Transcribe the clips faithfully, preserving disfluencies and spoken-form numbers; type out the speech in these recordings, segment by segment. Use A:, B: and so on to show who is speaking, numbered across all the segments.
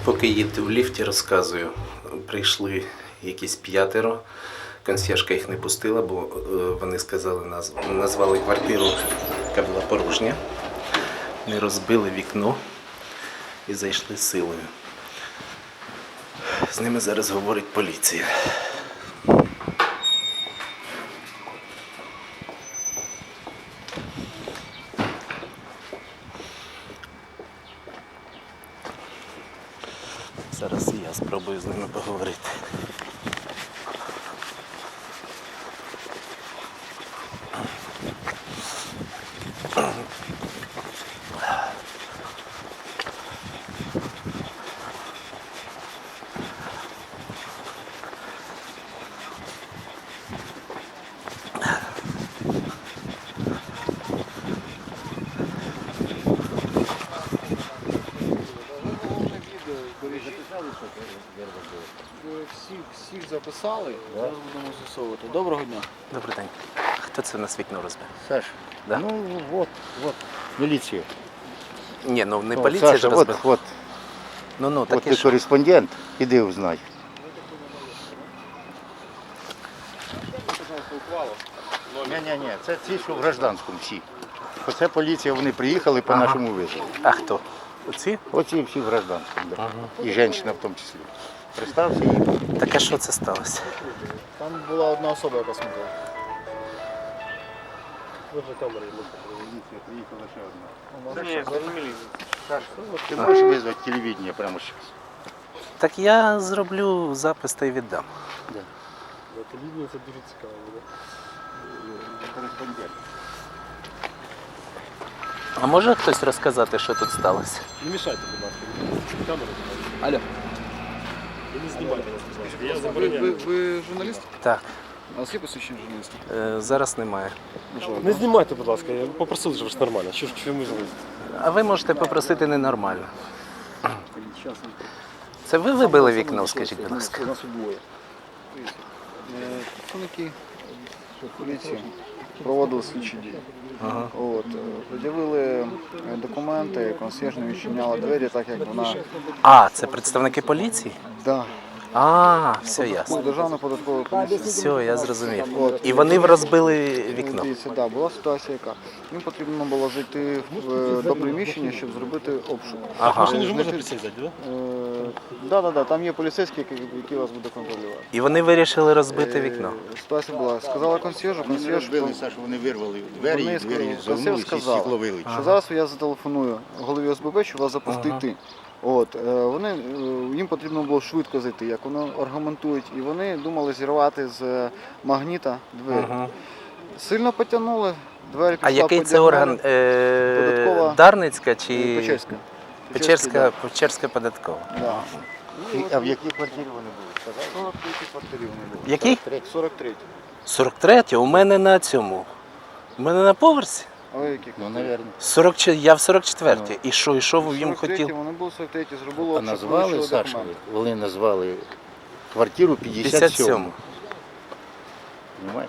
A: Поки їду в ліфті, розказую. Прийшли якісь п'ятеро. Консьєржка їх не пустила, бо е, вони сказали, назву, назвали квартиру, яка була порожня. Не розбили вікно і зайшли силою. З ними зараз говорить поліція. Зараз і я спробую з ними поговорити.
B: Всіх, всіх записали, зараз будемо з'ясовувати. Доброго дня.
A: Добрий день. Хто це в нас вікно розбив?
C: Саша,
A: Да?
C: ну вот, вот, милиция.
A: Ні, ну не
C: Ну,
A: поліція
C: Саша,
A: ж
C: вот,
A: розбила.
C: вот,
A: Ну, ну,
C: вот
A: таке
C: ты
A: ж.
C: кореспондент, іди узнай. Ні-ні-ні, це ті, що в гражданському всі. Оце поліція, вони приїхали по
A: Ага.
C: нашому визову.
A: А хто? Оці?
C: Оці всі в гражданському, да. І жінка в тому числі. Представся їй.
A: Так а що це сталося?
B: Там була одна особа, яка смотрела.
C: Приїхала ще одна.
B: Ні, зрозуміли.
C: Саша, ти можеш визвати телевидение прямо зараз?
A: Так я зроблю запис та й віддам.
B: Телевізія це дуже цікаво буде.
C: Кореспондент.
A: А може хтось розказати, що тут сталося?
D: Не мішайте, будь ласка. Камеру.
A: Алло.
D: Ви не знімайте нас, будь ласка. Я
B: Ви,
D: забороняю.
B: ви, ви журналіст?
A: Так,
B: У вас є посвідчення журналіста?
A: е, зараз немає.
D: Не знімайте, будь ласка. Я попросив же ж нормально. Що ж чому ми журналісти?
A: А ви можете попросити ненормально. Це ви вибили вікно, скажіть, будь ласка?
B: У нас двоє. Представники поліції проводили слідчі дії.
A: Ага.
B: От, е, пред'явили е, документи, консьєрж не відчиняла двері, так як вона...
A: А, це представники поліції?
B: Да.
A: А, все ясно.
B: Державна податкова комісія.
A: Все, я зрозумів. І вони розбили вікно.
B: Дивіться, да, була ситуація яка. Їм потрібно було зайти в е, до приміщення, щоб зробити обшук.
A: Ага.
D: Машині ж можна присідати, так?
B: Е, да, да, да, там є поліцейський, який, який вас буде контролювати.
A: І вони вирішили розбити вікно.
B: Е, Ситуація була. Сказала консьєржу,
C: Вони не
B: консьєрж...
C: розбили, Саша, вони вирвали двері,
B: Вони
C: і двері
B: сказали-
C: зовнулися,
B: консьєрж
C: і
B: сказав,
C: стекло вилетіло.
B: що зараз я зателефоную голові О С Б Б, щоб вас запустити
A: Ага.
B: йти. От, е, вони, е, їм потрібно було швидко зайти, як вони аргументують, і вони думали зірвати з магніта двері.
A: Ага.
B: Сильно потягнули, двері
A: А
B: пішла
A: який
B: по
A: це орган?
B: діагоналі.
A: Е,
B: Податкова.
A: Дарницька чи
B: Печерська.
A: Печерська,
B: да.
A: Печерська податкова?
B: Да.
C: І- А в якій квартирі вони були? Сказали?
B: сорок третій квартирі вони були.
A: Який?
B: сорок третій.
A: сорок третя? У мене на цьому. У мене на поверсі.
B: А ви які?
C: Ну, мабуть.
A: сорок, чотири я в сорок четвертій. І що, і що ви їм
B: сорок третій,
A: хотіли?
B: вони були сорок третій, зробили
C: А
B: обшук,
C: назвали,
B: вилучили
C: Саша,
B: документи.
C: вони назвали квартиру п'ятдесят
A: п'ятдесят
C: сьому.
A: сьому.
C: Понимаєш?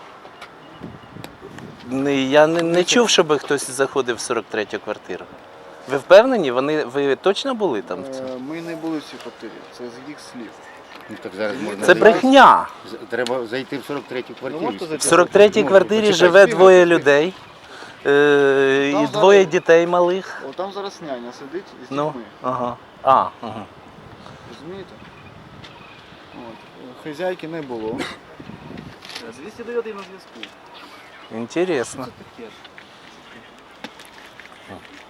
A: Не, я не, не чув, щоб хтось заходив в сорок третю квартиру. Ви впевнені? Вони, ви точно були там? в цьому?
B: Е, Ми не були в цій квартирі, це з їх слів.
C: Ну, так зараз можна
A: Це
C: зайти.
A: брехня.
C: З- Треба зайти в сорок третю квартиру.
B: можете
A: В
B: зайти?
A: сорок третій
C: Ну,
A: квартирі
C: почекай,
A: живе
B: співайте,
A: двоє
B: співайте.
A: людей. Е,
B: Там
A: і двоє
B: зараз-
A: дітей малих.
B: О, там зараз няня сидить із
A: Ну,
B: дітьми.
A: ага. А, ага.
B: Розумієте? От. е, Хазяйки не було. двісті дев'ять на зв'язку.
A: Інтересно.
B: Таке.